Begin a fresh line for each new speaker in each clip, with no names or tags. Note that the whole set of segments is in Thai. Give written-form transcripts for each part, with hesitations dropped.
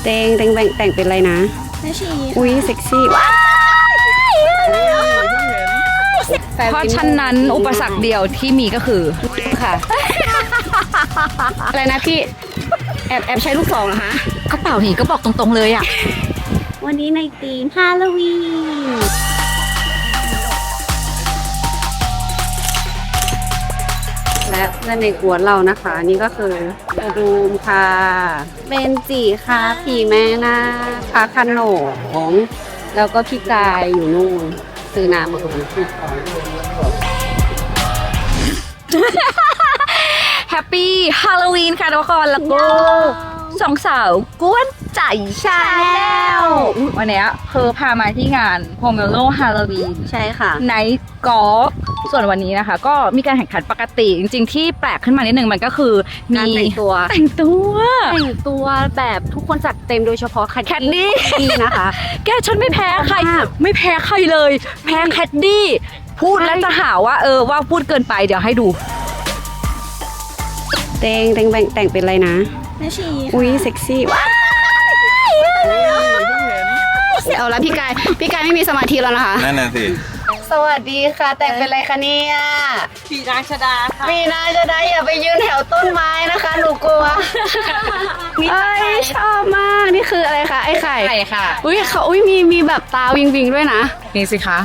แต่งเป็นอะไรนะ
แม่ชี
อุ้ยเซ็กซี่ว้
เพราะฉะนั้นอุปสรรคเดียวที่มีก็คือ
ค่ะอะไรนะพี่แอบใช้ลูกศรเหรอคะ
กระเป๋าหนีก็บอกตรงๆเลยอ่ะ
วันนี้ในธีมฮาโลวีน
และเพื่อนในกวนเรานะคะนี่ก็คือรูมค่ะเบนจิค่ะผีแม่นาคขนมแล้วก็พี่กายอยู่นู่นซื้อน้ำมาอุ่น
แฮปปี้ฮาโลวีนค่ะทุกคนแล้วก็สองสาวกวนใจชาแนลวันนี้พามาที่งานโฮเมโลฮาโลวีน
ใช่ค่ะ
ไนท์กอล์ฟส่วนวันนี้นะคะก็มีการแข่งขันปกติจริงๆที่แปลกขึ้นมานิดนึงมันก็คือมี
แต่งตัวแบบทุกคนจัดเต็มโดยเฉพาะแคดดี้นะคะ
แกฉันไม่แพ้ใครเลยแพ้แคดดี้พูดแล้วจะหาว่าว่าพูดเกินไปเดี๋ยวให้ดู
แต่งเป็นอะไรนะ
แม่ชี
อุ้ยเซ็กซี่ว้าวเอาละพี่กายไม่มีสมาธิแล้วนะคะ
นั่นน่ะสิ
สวัสดีค่ะแต่งเป็นอะไรคะเนี่ย
ผีนางชดาค่ะ
มีนางชดาอย่าไปยืนแถวต้นไม้นะคะหนูกลัวเอ้ยชอบมากนี่คืออะไรคะไอ้ไข่
ค่ะ
อุ้ยมีแบบตาวิงด้วยนะ
นี่สิคะ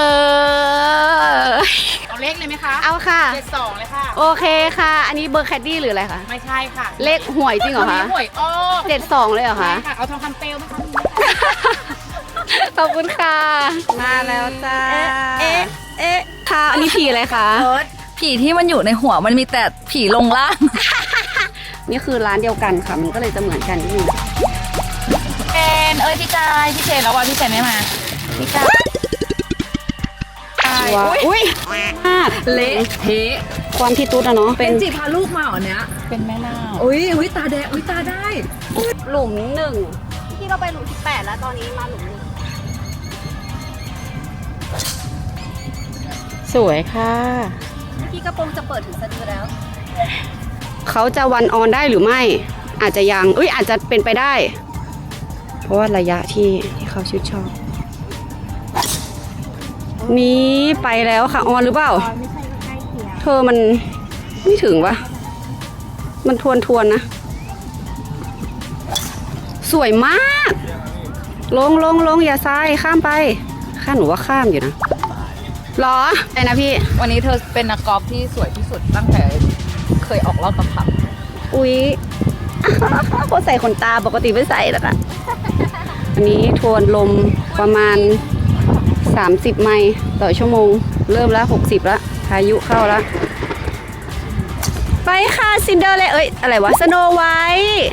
เอาเลขเลยไหมคะ
เอาค่ะ
72เลยค่ะ
โอเคค่ะอันนี้เบอร์แคดดี้หรืออะไรคะ
ไม่ใช่ค่ะ
เลขหวยจริงเหรอคะ
หวยอ้อ
72เลยเหรอคะ
ค่ะเอาทองคำเปลวไหมคะ
ขอบคุณค่ะมาแล้วจ้าค่ะอันนี้ผีอะไรคะ
ผีที่มันอยู่ในหัวมันมีแต่ผีลงล่าง
นี่คือร้านเดียวกันค่ะมันก็เลยจะเหมือนกันนิดนึง
เจนพี่กายพี่เจนแล้วว่าพี่เจนไม่มาพี่กาย
อุ้ยมาก
เละเทะ
ความที่ตุ๊ดอะเนาะ
เป็นจีพาลูกมาเหรอเนี้ย
เป็นแม่นาค
อุ้ยตาแดงตาได้
หลุม1ที่เราไปหลุม18แล้วตอนนี้มาหลุม1สวยค่ะ
พี่กระโปรงจะเปิดถึงสะดือแล้ว
เขาจะวันออนได้หรือไม่อาจจะยังอาจจะเป็นไปได้เพราะว่าระยะที่เขาชื่นชอบนี้ไปแล้วค่ะออนหรือเปล่า
ไม่ใช่ก็ใกล้เคียง
เธอมันไม่ถึงวะมันทวนนะสวยมากลงอย่าซ้ายข้ามไปข้าหนูว่าข้ามอยู่นะหรอไอ้นะพี่
วันนี้เธอเป็นนักกอล์ฟที่สวยที่สุดตั้งแต่เคยออกรอบกระพับ
อุ๊ยเขาใส่ขนตาปกติไม่ใส่แล้วนะอันนี้ทวนลมประมาณ30 ไมล์ต่อชั่วโมงเริ่มแล้ว60แล้วพายุเข้าแล้วไปค่ะซินเดอร์เลยอะไรวะสโนไวท์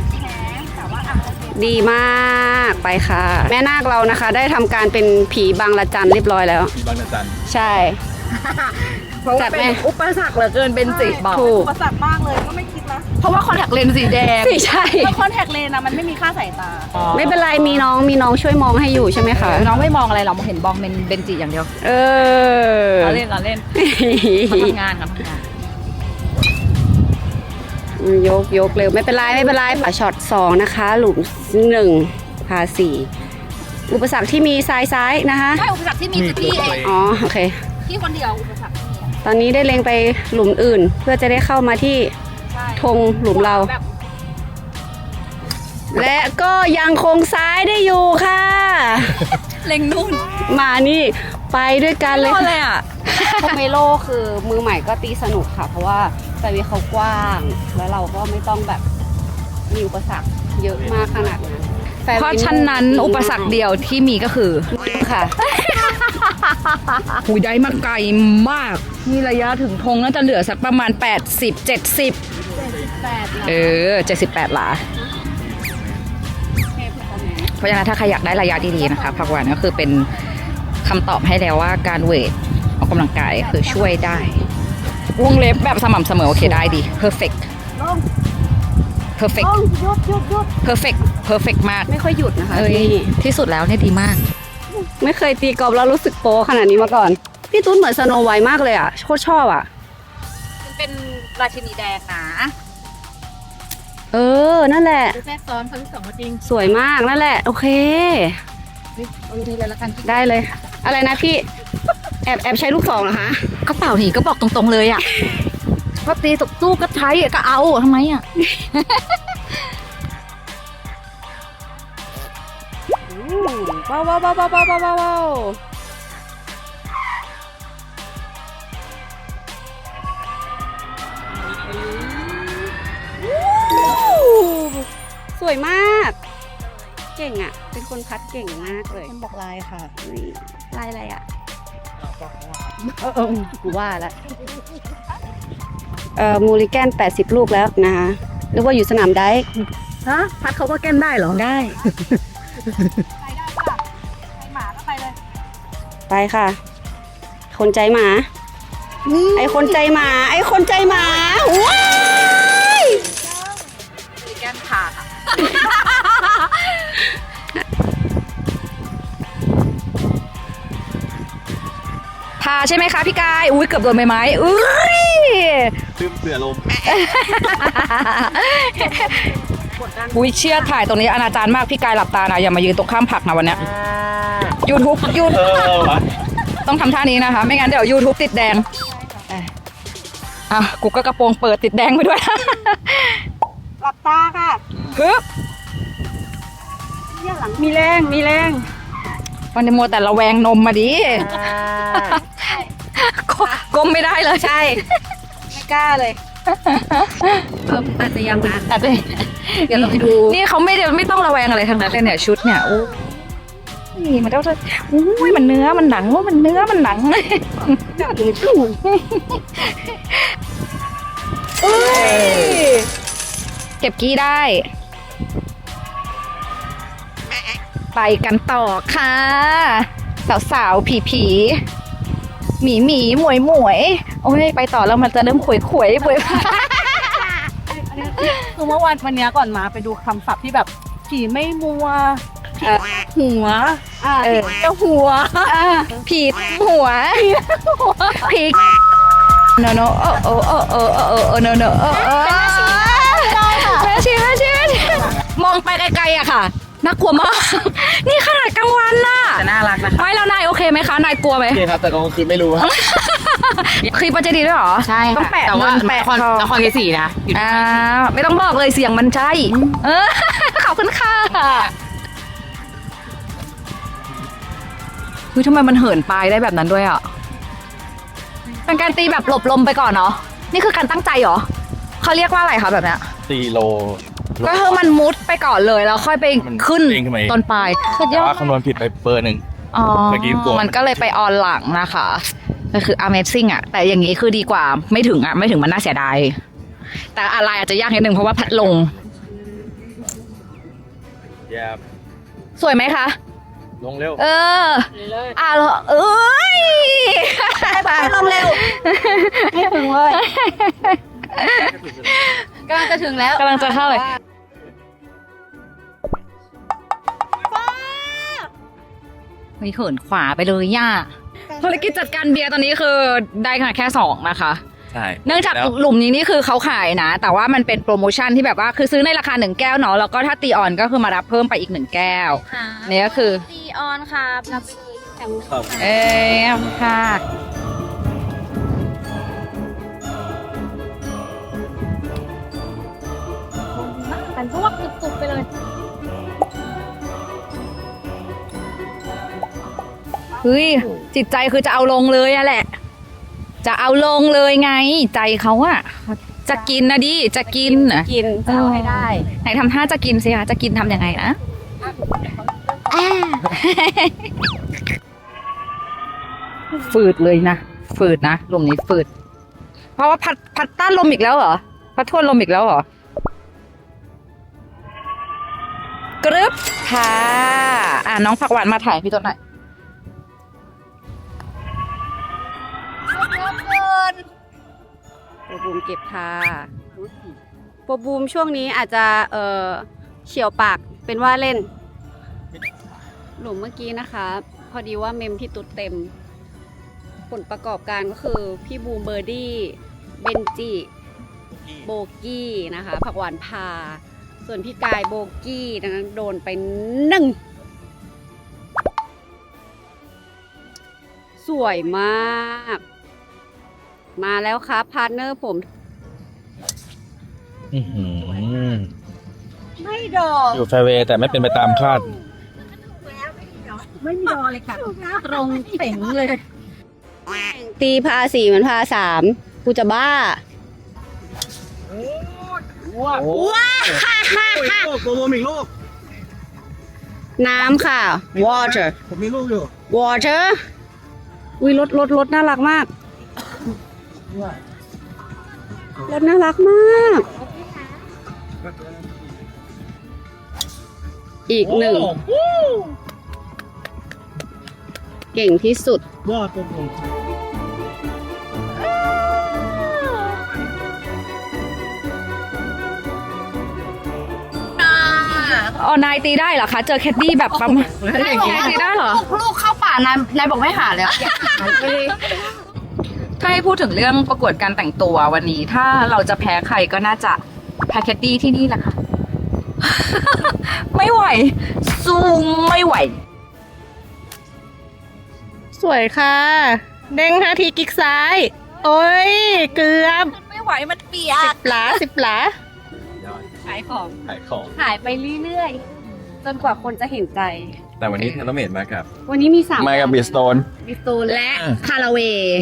ดีมากไปค่ะแม่นาคเรานะคะได้ทำการเป็นผีบางละจันเรียบร้อยแล้ว
ผีบางละจัน
ใช่
จัดแม่อุปสรรคเหลือเกินเป็นจิบอก
อุปสรรคมากเลยก็ไม่คิดนะ
เพราะว่าคอนแทคเลนส์สีแดง
ใช่
เพราะคอนแทคเลนส์นะมันไม่มีค่าสายตา
ไม่เป็นไรมีน้องช่วยมองให้อยู่ใช่ไหมคะ
น้องไม่มองอะไรเราเห็นบองเป็นเบนจิอย่างเดียวเราเล่นเขาทำงาน
ยกเร็วไม่เป็นไรช็อต2นะคะหลุม1พา4อุปสรรคที่มีซ้ายนะคะ
ใช่อุปสรรคที่มีคือพี่เอง
อ๋อโอเค
พี่คนเดียวอุปสรรค
ตอนนี้ได้เล็งไปหลุมอื่นเพื่อจะได้เข้ามาที่ธงหลุมเราและก็ยังคงซ้ายได้อยู่ค่ะ
เล็งนู่น
มานี่ไปด้วยกันเลย
อ่ะ
โฮเมโลคือมือใหม่ก็ตีสนุกค่ะเพราะว่าไฟเวเขากว้างแล้วเราก็ไม่ต้องแบบมีอุปสรรคเยอะมากขนาดนั้น
เพราะฉะนั้นอุปสรรคเดียวที่มีก็คือ
ค่ะ
หูได้มาไกลมากนี่ระยะถึงธงน่าจะเหลือสักประมาณ80-70 78 หลาเพราะฉะนั้นถ้าใครอยากได้ระยะดีๆนะคะพักวันก็คือเป็นคำตอบให้แล้วว่าการเวทออกกำลังกายคือช่วยได้วงเล็บแบบสม่ำเสมอโอเคได้ดี perfect มาก
ไม่ค่อยหยุดนะคะ
ที่สุดแล้วเนี่ยดีมาก
ไม่เคยตีกอล์ฟแล้วรู้สึกโปขนาดนี้มาก่อนพี่ตุ้นเหมือนสโนไวท์มากเลยอ่ะโคตรชอบอ่ะ
มันเป็นราชินีแดงนะ
เออ นั่นแหละ
แทรกซ้อนครั้งที่สองจริง
สวยมากนั่นแหละ โอเค
เอาทีเลยละกัน
ได้เลย อะไรนะพี่ แอบใช้ลูกซองเหรอคะ
ก็เปล่าหนีก็บอกตรงๆเลยอ่ะก็ตีตกตู้ก็ใช้ก็เอาทำไมอ่ะ
ว้าวว้าวว้าวว้าวว้าวว้าวสวยมาก เก่งอ่ะ เป็นคนพัดเก่งมากเลย
คนบอกลายค่ะ
ลายอะไรอ่ะกูว่าแล้วมูลิแกน80 ลูกแล้วนะคะนึกว่าอยู่สนามได้
ฮะพัดเขาก็แก้นได้เหรอ
ได้
หมาก็ไปเลย
ไปค่ะ คนใจหมา ไอคนใจหมา ไอคนใจหมาว้าย
แก้นขาดพาใช่ไหมคะพี่กาย อุ้ยเกือบโดนใบไม้อุ้ย
ลืมเสือลม
อุ้ยเชื่อถ่ายตรงนี้อนาจารมากพี่กายหลับตานะอย่ามายืนตรงข้ามผักนะวันเนี้ย YouTube ต้องทำท่านี้นะคะ ไม่งั้นเดี๋ยว YouTube ติดแดงอ่ะกูก็กระโปรงเปิดติดแดงไปด้วย
หลับตาค่ะ
ฮึบ
มีแรง มีแรง
วันนี้มัวแต่ระแวงนมมาดิก้มไม่ได้เลย
ใช่ ไม่กล้าเลยอาจจะยังนะ
แต่เดี๋ยวเราไปดู นี่เขาไม่ต้องระแวงอะไรทั้งนั้นเลยเนี่ยชุดเนี่ยโอ้นี่มันต้องอุ้ยมันเนื้อมันหนังว่ามันเนื้อมันหนังเก็บกี้ได้ ไปกันต่อค่ะ สาวๆผีหมีหมวยโอ้ยไปต่อแล้วมันจะเริ่มขวยๆป่วย
คือเมื่อวันนี้ก่อนมาไปดูคำศัพท์ที่แบบผีไม่มัวหัว
เจ้าหัว
ผีหัวผีโนโนโอโนโนแม่ชีมองไปไกลๆอะค่ะน่ากลัวมากนี่ขนาดกลางวันน่ะ
แต่น่ารักนะคะ
ไม่แล้วนายโอเคไหมคะนายกลัวไหม
โอเคครับ แต่กลางคืนไม่รู้ครับ
คลิปมันจะดีด้วยเหรอ
ใช่
ต้องแปะ
แต่ว่า
เงินแปะทอง
นครเทศรีนะ
ไม่ต้องบอกเลยเสียงมันใช่ขอบคุณค่ะเฮ้ยทำไมมันเหินปลายได้แบบนั้นด้วยอ่ะเป็นการตีแบบหลบลมไปก่อนเนาะนี่คือการตั้งใจเหรอเขาเรียกว่าอะไรคะแบบเนี้ย
ตีโล
ก็คือมันมุดไปก่อนเลยแล้วค่อยไปขึ้น
เด้งขึ้นมาเอง
ต้นปลายสุดย
แต่
อด
ว่าคำนวณผิดไปเบอร์หนึ่ง
อ๋อ
เมื่อกี้กลัว
มันก็เลยไปออนหลังนะคะก็คือ Amazing อ่ะแต่อย่างนี้คือดีกว่าไม่ถึงมันน่าเสียดายแต่อะไรอาจจะยากนิดนึงเพราะว่าพัดลง
แย่
สวยไหมคะ
ลงเร็ว
เออเอ้ย
ไปลงเร็ว ไม่ถึงเลยกำลังจะถึงแล้ว
กำลังจะเข้าเลยมีเขินขวาไปเลยย่าภารกิจจัดการเบียร์ตอนนี้คือได้ค่ะแค่2นะคะ
ใช่
เนื่องจาก
แล้ว
หลุมนี้นี่คือเขาขายนะ แต่ว่ามันเป็นโปรโมชั่นที่แบบว่าคือซื้อในราคา1แก้วเนาะแล้วก็ถ้าตีออนก็คือมารับเพิ่มไปอีก1แก้วนี่ก็คือ
ตีออนครับรับ
ครับ
ค่ะ
กันพวกจุกๆไปเลย
เฮ้ยจิตใจคือจะเอาลงเลยอะแหละ จะเอาลงเลยไง ใจเขาอะจะกินนะดิจะกินอะ
กินจะเอาให้ได้
ไหนทำท่าจะกินสิคะจะกินทำยังไงนะฝืดเลยนะฝืดนะลมนี้ฝืดเพราะว่าพัดต้านลมอีกแล้วเหรอพัดทวนลมอีกแล้วเหรอกรึบค่ะน้องผักหวานมาถ่ายพี่ต้นหน่อย
โปรบูมเก็บค่ะโปรบูมช่วงนี้อาจจะเฉียวปากเป็นว่าเล่น หลุมเมื่อกี้นะคะ พอดีว่าเมมพี่ตุ๊ดเต็ม ผลประกอบการก็คือพี่บูมเบอร์ดี้เบนจิโบกี้นะคะ ผักหวานพา ส่วนพี่กายโบกี้ดังนั้นโดนไป1สวยมาก มาแล้วครับพาร์ทเนอร์ผม ไม่ดอก
อยู่แฟร์เวย์แต่ไม่เป็นไปตามคาด
ไม่มีรอเลยค่ะ ตรงเป่งเลย
ตีพา4เหมือนพา3กูจะบ้า
ว้าวโกโบมีลูก
น้ำค่ะ water
ผมมีลูกอยู่
water อุ้ยรถน่ารักมาก รถน่ารักมาก อีก1เก่งที่สุด
ยอดเป็นผม
อ๋อนายตีได้เหรอคะ เจอแคดดี้แบบประมาณตีได้เหรอ
ลูกเข้าป่านายบอกไม่หาเลย
ถ้าให้พูดถึงเรื่องประกวดการแต่งตัววันนี้ ถ้าเราจะแพ้ใครก็น่าจะแพ้แคดดี้ที่นี่แหละค่ะ ไม่ไหว สู้ไม่ไหว
สวยค่ะ เด้ง5 ทีกิ๊กซ้าย โอ้ย เกือบ
ไม่ไหวมันเปียก
10 หลา 10 หลา
ขายของ
ขายของ
ขายไปเรื่อยๆ จนกว่าคนจะเห็นใจ
แต่วันนี้เทเลเมดมากับ
วันนี้มี3
มากับบิสโตน
บิสตูนและคาราเวย์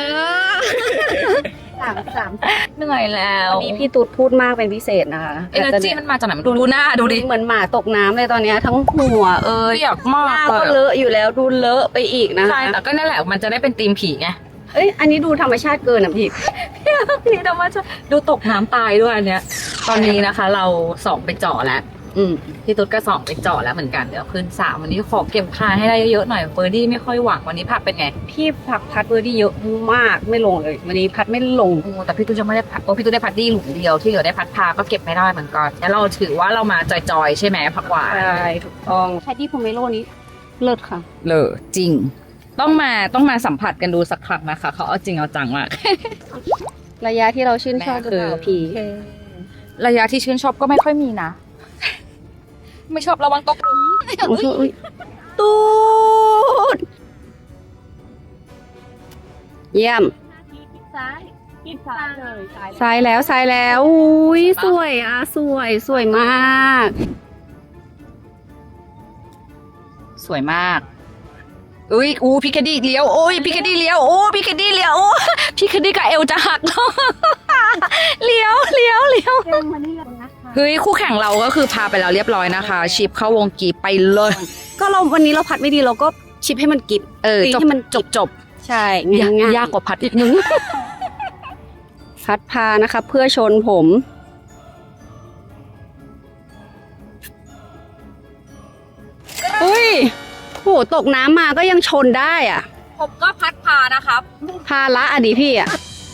สาม
เหนื่อยแล้ว
วันนี้พี่ตุ๊ดพูดมากเป็นพิเศษนะคะ
เอเนอร์จีมันมาจากไหนดูหน้าดูดิ
เหมือนหมาตกน้ำเลยตอนเนี้ยทั้งหัว
เปียกมา
หน้าก ก็เลอะอยู่แล้วดูเลอะไปอีกนะ
ใช่
คะ
แต่ก็นั่นแหละมันจะได้เป็นธีมผีไง
เอ้ยอันนี้ดูธรรมชาติเกินอ่ะพี่
ผีธรรมชาติดูตกน้ำตายด้วยอันเนี้ย ตอนนี้นะคะเรา2ไปเจาะแล้วพี่ตุ๊ดก็2ไปเจาะแล้วเหมือนกันเดี๋ยวขึ้น3วันนี้ขอเก็บพายให้ได้เยอะๆหน่อยเบอร์ดี้ไม่ค่อยหวังวันนี้ผักเป็นไง
พี่พัดเบอร์ดี้เยอะมากไม่ลงเลยวันนี้พัดไม่ลง
โอ้แต่พี่ตุ๊ดจะไม่ได้พัดพี่ตุ๊ดได้พัดดี้หลุมเดียวที่เหลือได้พัดพาก็เก็บไม่ได้เหมือนกันแล้วเราถือว่าเรามาจอยๆใช่ไหมผักหวาน
ใช่ถูกต้องแคดดี้โพเมโลนี้เลิศค่ะ
เลยจริง ต้องมาสัมผัสกันดูสักครั้งนะคะเขาเอาจริงเอาจังมาก
ระยะที่เราชื่นชอบหรือเปล่าพี่
ระยะที่ชื่นชอบก็ไม่ค่อยมีนะ ไม่ชอบระวังตกหลุม
อุ๊ยตูดเยี่ยม
ซ้ายกิ๊กซ้ายเลย
ซ้ายแล้วอุ้ยสวยอ่ะสวยมาก
สวยมากอุ้ยพี่แคดดี้เลี้ยวโอ้ยพี่แคดดี้เลี้ยวโอ้พี่แคดดี้เลี้ยวโอ้พี่แคดดี้กับเอวจะหักแล้ว เลี้ยวเฮ้ยคู่แข่งเราก็คือพาไปแล้วเรียบร้อยนะคะ ชิปเข้าวงกีไปเลย
ก็วันนี้เราพัดไม่ดีเราก็ชิปให้มันกิบ
จบ
ให้มัน
จบ
ใช่ง่าย
ยากกว่าพัดอีกนึง
พัดพานะคะเพื่อชนผมอุ้ยโหตกน้ำมาก็ยังชนได้อ่ะ
ผมก็พัดพานะครับ
พาละอดีพี่อ่ะ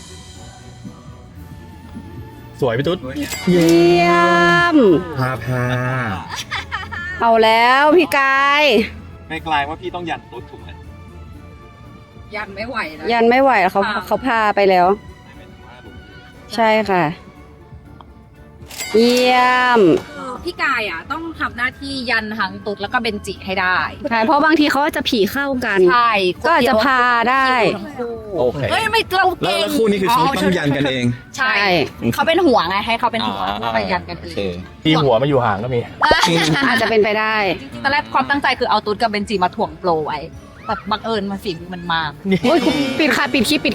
สวยพี่ตุ๊ด
เยี่ยม
พา
เอาแล้วพี่กาย
ไม่กลายว่าพี่ต้องยันตุ๊ดถูกไหม
ยันไม่ไหวนะ
ยันไม่ไหวแล้วเขาพาไปแล้ว ใช่ค่ะ เยี่ยม
พี่กายอ่ะต้องทำหน้าที่ยันทั้งตุ๊ดแล้วก็เบนจิให้ได้
ใช่เพราะบางทีเขาจะผีเข้ากัน
ใช่
ก็อาจจะพาได้
โอเค
เฮ้ยไม่เรา
แล้ว
เก่ง
แล้วคู่นี้คือเขาต้องยันกันเอง
ใช่เขาเป็นหัวไงให้เขาเป็นหัวไปยันกันเอง
พี่หัวมาอยู่ห่างก็มี
อาจจะเป็นไปได้
ตอนแรกความตั้งใจคือเอาตุ๊ดกับเบนจิมาถ่วงโปรไว้แต่บังเอิญมันฝีมือมันมา
โอ้ยปิดค่ะปิดคลิป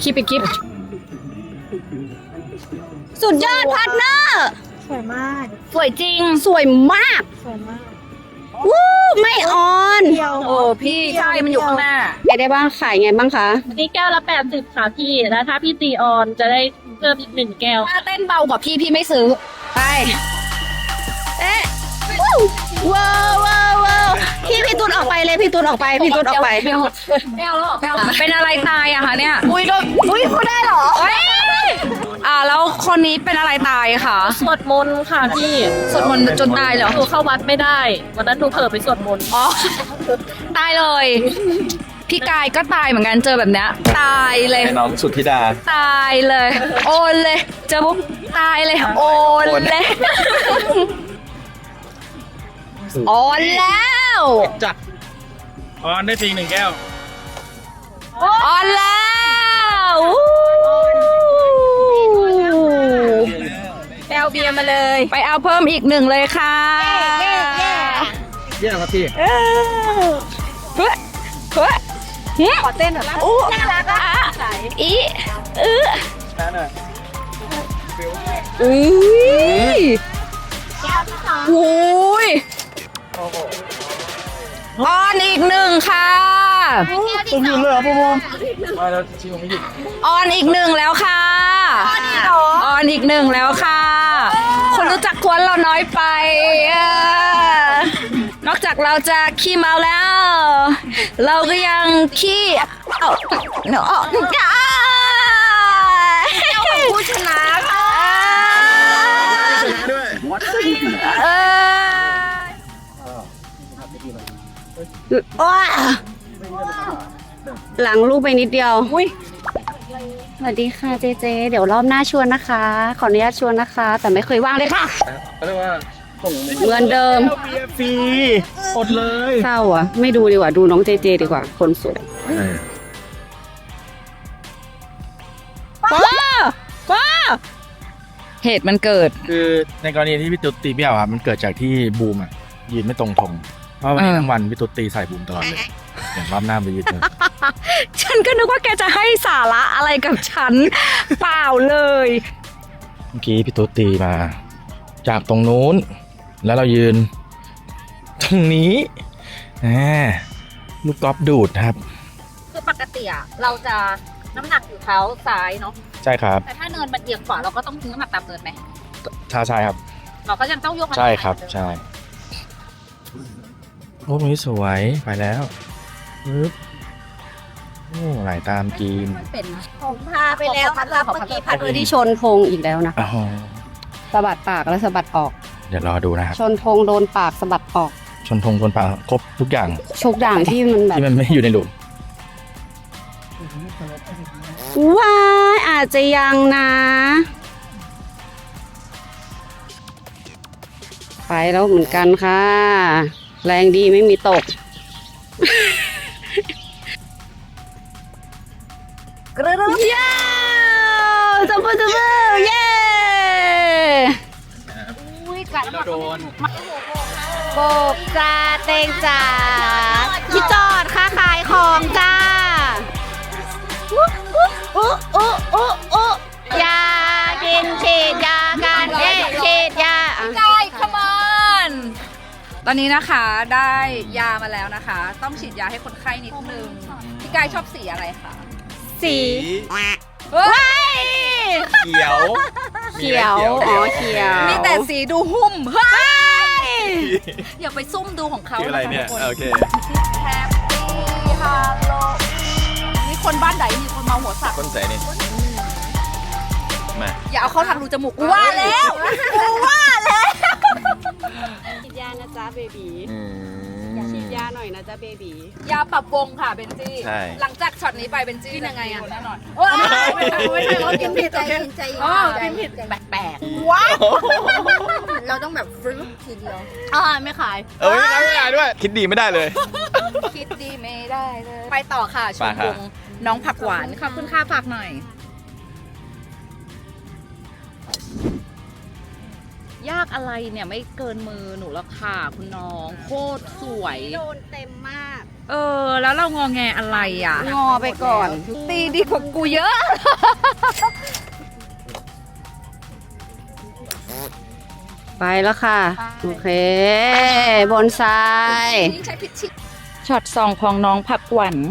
สุดยอดพาร์ทเนอร์
สวยมาก
สวยจริง
สวยมาก
สวยมาก
วู้ไม่ออน
เดียว
โอ้พี่ใช่มันอยู่ข้างหน้า
ไงได้บ้างขายไงบ้างคะ
นี่แก้วละ80ค่ะพี่ แล้วถ้าพี่ตีออนจะได้เพิ่มอีก1 แก้ว
ถ้าเต้นเบากว่าพี่ไม่ซื้อ
ไปเอ๊ะว้าวพี่ตูนออกไปเลยพี่ตูนออกไป
ไม่เอาแล้วไม่เอาเป็นอะไรตายอะคะเนี่ยอุ้ยเขาได้เหรอแล้วคนนี้เป็นอะไรตายคะ
สวดมนต์ค่ะพี่
สวดมนต์จนตายเหรอ
หนูเข้าวัดไม่ได้ วันนั้นหนูเผลอไปสวดมนต์
อ๋อตายเลยพี่กายก็ตายเหมือนกันเจอแบบเนี้ยตายเลย
ให้น้องสุทธิดา
ตายเลย โอนเลยเจอปุ๊บตายเลยโอนเลยโอนแล้ว
จัดออนได้ฟรี1 แก้ว
ออนแล้วไปเอาเบียร์มาเลย ไปเอาเพิ่มอีก1เลยค่ะ
เยี่ยมครับพี่
เฮ้ยเฮ้ยขอเต้นหน่อยอู้น่ารักอ่ะอีอุ้ยโอ้ยออนอีก1ค่ะ
ต้องยืนเลยเหรอพ่อมาแล้วชิวไม่หยุด
ออนอีก1แล้วค่ะออนอีก1แล้วค่ะ คนรู้จักกวนเราน้อยไปนอกจากเราจะขี้เมาแล้ว เราก็ยังขี้เนาะผู้ชนะค่ะ
ชนะด้วย
หลังลูกไปนิดเดียวสวัสดีค่ะเจเจ เดี๋ยวรอบหน้าชวนนะคะ ขออนุญาตชวนนะคะ แต่ไม่เคยว่างเลยค่ะ
เขาเรียกว่าส่ง
เหมือนเดิม
เบียร์ฟรีอดเลย
เศร้าอ่ะ ไม่ดูดีกว่า ดูน้องเจเจดีกว่า คนสวย
ว้าเหตุมันเกิด
คือในกรณีที่พี่ตุ๊ดตีเบี้ยวครับมันเกิดจากที่บูมยืนไม่ตรงธงเพราะวันนี้ทั้งวันพี่ตุ๊ดตีใส่บูมตลอดเลยอย่างรอบหน้าไปยืนเลย
ฉันก็นึกว่าแกจะให้สาระอะไรกับฉัน เปล่าเลย
เมื่อกี้พี่ตุ๊ดตีมา จากตรงนู้น แล้วเรายืน ตรงนี้ลูกกอล์ฟดูดครับ
คือปกติอะเราจะน้ำหนักอยู่เท้าซ้ายเนาะ
ใช่ครับ
แต่ถ้าเนินมันเอียงขวาเราก็ต้องทิ้งน้ำหนักตามเนินไหม
ใช่ครับ
เราก็ยังต้องยกมัน
ใช่ครับใช่โอ้ตรงนี้สวยไปแล้วปึ๊บโอ้ไหลตามกิน
เป็นนะ
ผมพาไปแล้วนะคะเมื่อกี้พัดที่ชนธงอีกแล้วนะ
อ๋อ
สะบัดปากแล้วสะบัดออก
เดี๋ยวรอดูนะครับ
ชนธงโดนปากสะบัดออก
ชนธงชนปลาครบทุกอย่าง
ชกด่างที่มันแบบ
ที่มันไม่อยู่ในหลุม
ว้ายอาจจะยังนะ ไปแล้วเหมือนกันค่ะ แรงดีไม่มีตก
กระดึ๊บ
เย้จัมป์จัมป์เย้
อุ้ยกัด
โดน
โบกจ้าเตงจ้าพี่จอดค่าขายของจ้าอุ๊ยากินฉีดยากันฉีดยา
ไก่ come on ตอนนี้นะคะได้ยามาแล้วนะคะ ต้องฉีดยาให้คนไข้นิดนึงพี่กายชอบสีอะไรคะ
สี
เฮ้ย
เขียว
เขียวอ๋อเขียว
มีแต่สีดูหุ้มเฮ้ยอย่าไปซุ่มดูของเขา
คืออะไรเนี่ย
ทุกค
โอเค
แฮปปี้ฮาโลนี่คนบ้านไหนมีคนเมาหัวสัก
ต้นแสนี่มา
อย่าเอาเข้าทางรูจมูกกูว่าแล้วกูว่าแล้ว
ฉีดยานะจ๊ะเบบีฉีดยาหน่อยนะจ๊ะเบบี
ยาปรับวงค่ะเบนจี้
ใช่
หลังจากช็อตนี้ไปเบนจี้ยังไงอะแน่นอน
ไม่ใช่เรากินผิดใจใจ
อ๋อกินผิดแปลกๆว้าว
เราต้องแบบฟรึ้งทีเดียว
ไม่ขาย
ไม่ได้ด้วย คิดดีไม่ได้เลย
คิดดีไม่ได้เลย ไปต่อค่ะช
ไป
ม
ค่ะ
วงน้องผักหวานขอบคุณค่ะฝากหน่อย ยากอะไรเนี่ยไม่เกินมือหนูหรอกค่ะคุณน้องโคตรสวย
โดนเต็มมาก
แล้วเรางอแงอะไรอ่ะ
งอไปก่อน
ตีดีกว่ากูเยอะ
ไปแล้วค่ะ โอเค บนซ้าย
ช็อต2ของน้องผักหวาน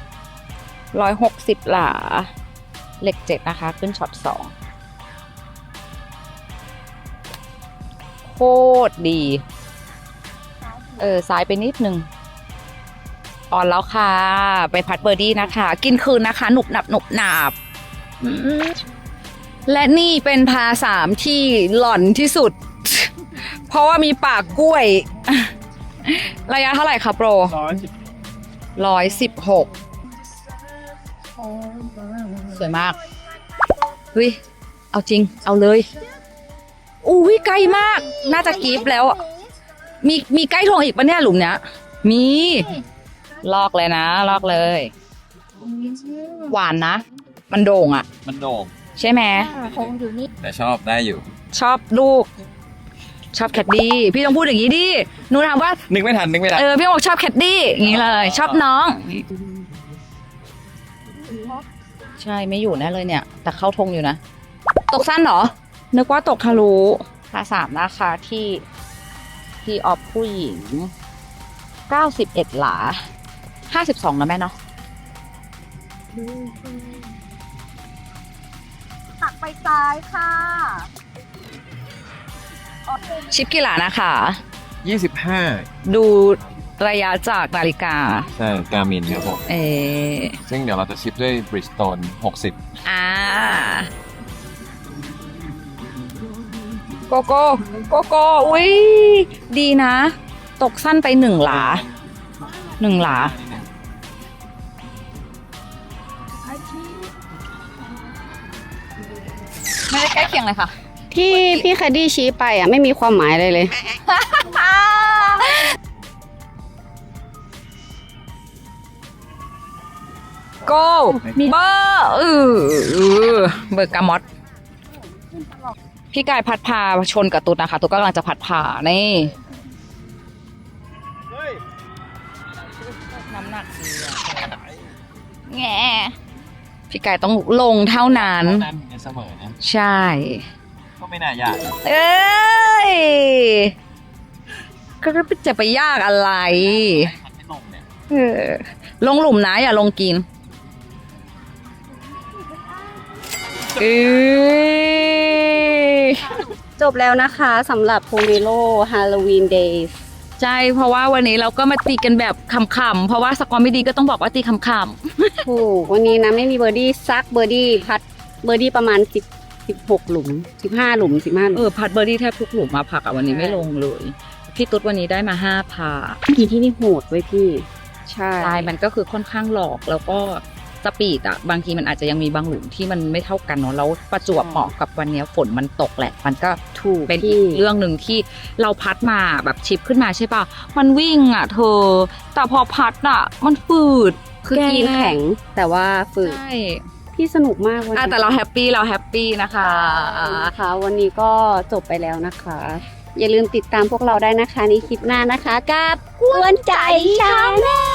160 หลาเหล็ก7นะคะ ขึ้นช็อต2โคตรดีซ้ายไปนิดนึงอ่อนแล้วค่ะ ไปพัดเบอร์ดี้นะคะ กินคืนนะคะ หนุบหนับหนุบหนาบและนี่เป็นพา3ที่หล่อนที่สุด เพราะว่ามีปากกล้วย ระยะเท่าไหร่คะโปร 116 สวยมากเฮ้ยเอาจริงเอาเลยอุ้ยใกล้มากน่าจะกรี๊ดแล้วอะมีใกล้ทงอีกปะเนี่ยหลุมเนี้ยมีลอกเลยนะลอกเลยหวานนะมันโด่งอะ
มันโด่ง
ใช่ไหม
แต่ชอบได้อยู่
ชอบลูกชอบแคดดี้พี่ต้องพูดอย่างนี้ดิหนูถามว่า
นึกไม่ทัน
พี่บอกชอบแคดดี้อย่างนี้เลยชอบน้องใช่ไม่อยู่แน่เลยเนี่ย แต่เข้าธงอยู่นะตกสั้นเหรอนึกว่าตกทะลุพาสามนะคะที่ออฟผู้หญิง91หลา52นะแม่เนาะ
ตักไปซ้ายค่ะ
ชิปกี่หลานะคะ
25
ดูระยะจากนาฬิกา
ใช่กามินครับผม
อ
ซึ่งเดี๋ยวเราจะชิปด้วยบริสโตน60
อ่าโกโก้อุ้ยดีนะ ตกสั้นไป1 หลาไม่ได้ใกล้เคียงเลยค่ะ
ที่พี่แคดดี้ชี้ไปอ่ะไม่มีความหมายอะไรเลย
โก้เบอร์เบอร์กามอตพี่กายพัดพาชนกับตุ๊ดนะคะตุ๊ดก็กำลังจะพัดพานี่น้ำหนักดีแง่พี่กายต้องลงเท่านั้น
นั้นเสมอนะ
ใช่
ก็ไม่น่ายาก
เอ้ยก็จะไปยากอะไร
ไม่ลงเนี่ย
ลงหลุมนะอย่าลงกิน
จบแล้วนะคะสำหรับโพเมโลฮาโลวีนเดย์
ใช่เพราะว่าวันนี้เราก็มาตีกันแบบขำๆเพราะว่าสกอร์ไม่ดีก็ต้องบอกว่าตีขำ
ถูกวันนี้นะไม่มีเบอร์ดี้ซักเบอร์ดี้พัดเบอร์ดี้ประมาณ16หลุม15หลุม15หลุม
พัดเบอร์ดี้แทบทุกหลุมมาผักอะวันนี้ไม่ลงเลยพี่ตุ๊ดวันนี้ได้มา5 พา
กี่ที่นี่โหดไว้ยพี่ ใช่
ลายมันก็คือค่อนข้างหลอกแล้วก็สปีดอะบางทีมันอาจจะยังมีบางหลุมที่มันไม่เท่ากันเนาะแล้วประจวบเหมาะกับวันนี้ฝนมันตกแหละ มันก็
ถูก
เป็นอี
พี่
กเรื่องหนึ่งที่เราพัดมาแบบชิปขึ้นมาใช่ป่ะมันวิ่งอะเธอ แต่พอพัดอะมันฝืด
คือกีนแข็งแต่ว่าฝึก
ใช่
พี่สนุกมากวันนี้
แต่เราแฮปปี้นะคะ
นะคะวันนี้ก็จบไปแล้วนะคะ อย่าลืมติดตามพวกเราได้นะคะในคลิปหน้านะคะกับกวนใจชาแนล